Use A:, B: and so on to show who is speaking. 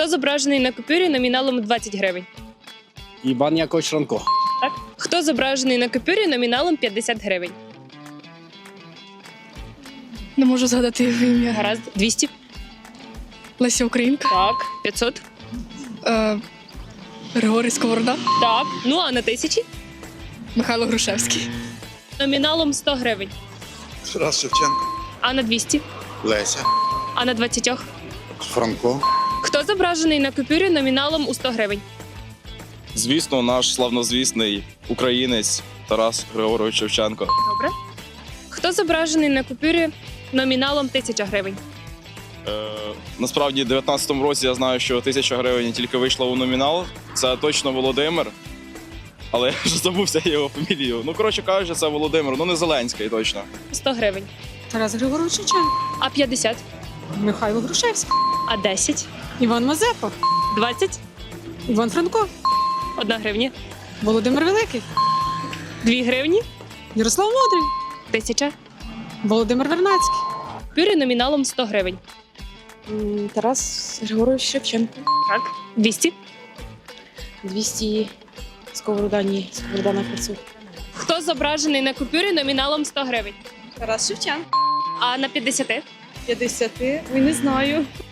A: Хто зображений на купюрі номіналом 20 гривень?
B: Іван Якович Франко.
A: Так. Хто зображений на купюрі номіналом 50 гривень?
C: Не можу згадати його ім'я.
A: Гаразд. 200?
C: Леся Українка.
A: Так. 500?
C: Григорій Сковорода.
A: Так. Ну, а на 1000?
C: Михайло Грушевський.
A: Номіналом 100 гривень.
D: Тарас Шевченко.
A: А на 200?
D: Леся.
A: А на 20?
D: Франко.
A: Хто зображений на купюрі номіналом у 100 гривень?
E: Звісно, наш славнозвісний українець Тарас Григорович Шевченко.
A: Добре. Хто зображений на купюрі номіналом 1000 гривень?
E: Насправді, в 19-му році я знаю, що 1000 гривень тільки вийшла у номінал. Це точно Володимир. Але я вже забувся його фамілію. Ну, коротше кажучи, це Володимир. Ну, не Зеленський точно.
A: 100 гривень.
F: Тарас Григорович Шевченко.
A: А 50?
F: Михайло Грушевський.
A: А 10?
F: Іван Мазепа.
A: 20?
F: Іван Франко.
A: 1 гривня.
F: Володимир Великий.
A: 2 гривні?
F: Ярослав Мудрий.
A: 1000?
F: Володимир Вернацький.
A: Купюрі номіналом 100 гривень.
G: Тарас Григорович Шевченко.
A: Так. 200?
G: 200 Сковорода, ні, Сковорода на 500.
A: Хто зображений на купюрі номіналом 100 гривень?
G: Тарас Шевченко.
A: А на 50?
G: 50, ой, не знаю.